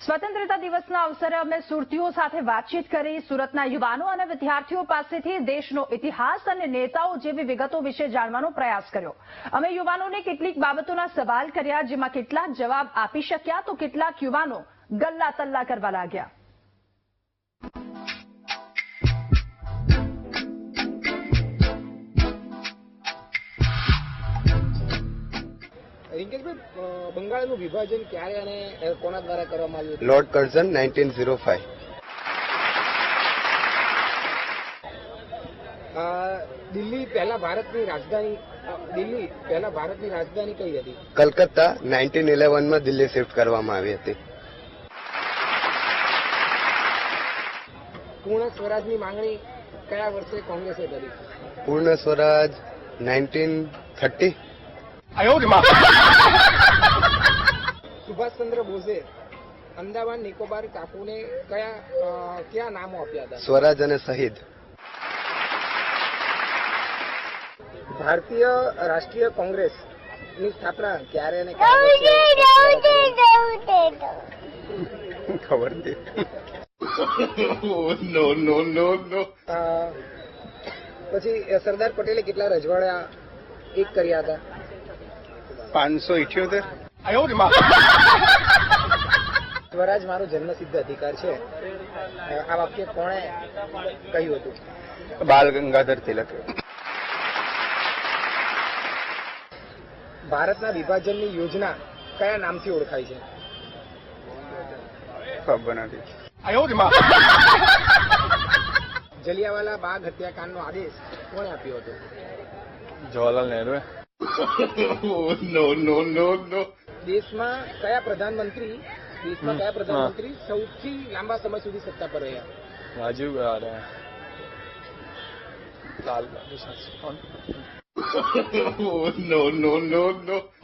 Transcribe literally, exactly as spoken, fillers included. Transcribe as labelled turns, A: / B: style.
A: સ્વતંત્રતા દિવસના અવસરે અમે સુરતીઓ સાથે વાતચીત કરી સુરતના યુવાનો અને વિદ્યાર્થીઓ પાસેથી દેશનો ઇતિહાસ અને નેતાઓ જેવી વિગતો વિશે જાણવાનો પ્રયાસ કર્યો। અમે યુવાનોને કેટલીક બાબતોના સવાલ કર્યા, જેમાં કેટલાક જવાબ આપી શક્યા તો કેટલાક યુવાનો ગલ્લા તલ્લા કરવા લાગ્યા।
B: રિંકેશભાઈ, બંગાળનું વિભાજન ક્યારે અને કોના દ્વારા કરવામાં આવ્યું?
C: Lord Curzon nineteen zero five.
B: Delhi પહેલા ભારતની રાજધાની દિલ્હી પહેલા ભારતની રાજધાની કઈ હતી?
C: કલકત્તા નાઇન્ટીન ઇલેવન માં દિલ્હી શિફ્ટ કરવામાં આવી હતી।
B: પૂર્ણ સ્વરાજની માંગણી કયા વર્ષે કોંગ્રેસે કરી?
C: પૂર્ણ સ્વરાજ નાઇન્ટીન થર્ટી।
B: સુભાષચંદ્ર બોઝે અંદામાન નિકોબાર ટાપુને કયા કયા નામો આપ્યા હતા?
C: સ્વરાજ અને શહીદ।
B: ભારતીય રાષ્ટ્રીય કોંગ્રેસની સ્થાપના ક્યારે અને
C: ખબર
B: નો નો નો નો પછી સરદાર પટેલે કેટલા રજવાડા એક કર્યા હતા?
C: પાંચસો ઇઠ્યોતેર।
B: સ્વરાજ મારો જન્મસિદ્ધ અધિકાર છે, આ વાક્ય કોણે કહ્યું હતું?
C: બાલ ગંગાધર તિલક।
B: ભારતના વિભાજનની યોજના કયા નામથી ઓળખાય છે?
C: ખબર નથી।
B: જલિયાવાલા બાગ હત્યાકાંડનો આદેશ કોણે આપ્યો હતો?
C: જવાહરલાલ નહેરુ।
B: નો નો નો નો દેશમાં કયા પ્રધાનમંત્રી દેશમાં કયા પ્રધાનમંત્રી સૌથી લાંબા સમય સુધી સત્તા પર રહ્યા?
C: રાજીવ લાલ બહાદુર શાસ્ત્રી।
B: નો નો નો નો